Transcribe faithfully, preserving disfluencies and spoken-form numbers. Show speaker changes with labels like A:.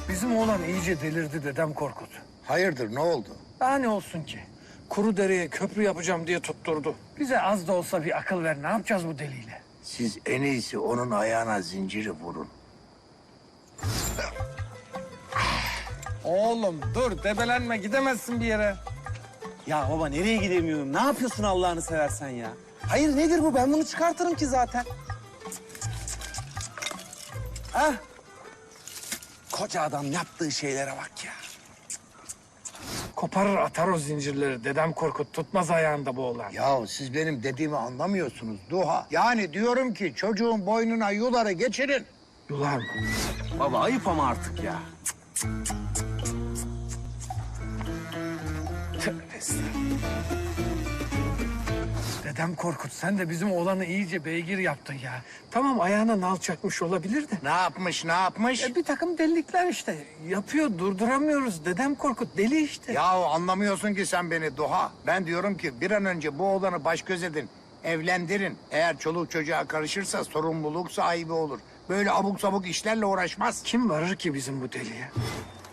A: Bizim oğlan iyice delirdi dedem Korkut.
B: Hayırdır, ne oldu?
A: Daha ne olsun ki? Kuru dereye köprü yapacağım diye tutturdu. Bize az da olsa bir akıl ver. Ne yapacağız bu deliyle?
B: Siz en iyisi onun ayağına zinciri vurun.
A: Oğlum dur, debelenme, gidemezsin bir yere.
C: Ya baba nereye gidemiyorum? Ne yapıyorsun Allah'ını seversen ya? Hayır nedir bu? Ben bunu çıkartırım ki zaten. Ah. Koca adam yaptığı şeylere bak ya.
A: Koparır atar o zincirleri. Dedem Korkut tutmaz ayağında bu oğlan.
B: Ya siz benim dediğimi anlamıyorsunuz Duha. Yani diyorum ki çocuğun boynuna yuları geçirin.
A: Yular mı?
C: Baba ayıp ama artık ya.
A: Tövbe estağfurullah. Dedem Korkut, sen de bizim oğlanı iyice beygir yaptın ya. Tamam, ayağına nal çakmış olabilir de.
B: Ne yapmış, ne yapmış?
A: E, bir takım delilikler işte. Yapıyor, durduramıyoruz. Dedem Korkut deli işte.
B: Ya anlamıyorsun ki sen beni Duha. Ben diyorum ki bir an önce bu oğlanı baş göz edin. Evlendirin. Eğer çoluk çocuğa karışırsa sorumluluk sahibi olur. Böyle abuk sabuk işlerle uğraşmaz.
A: Kim varır ki bizim bu deliye?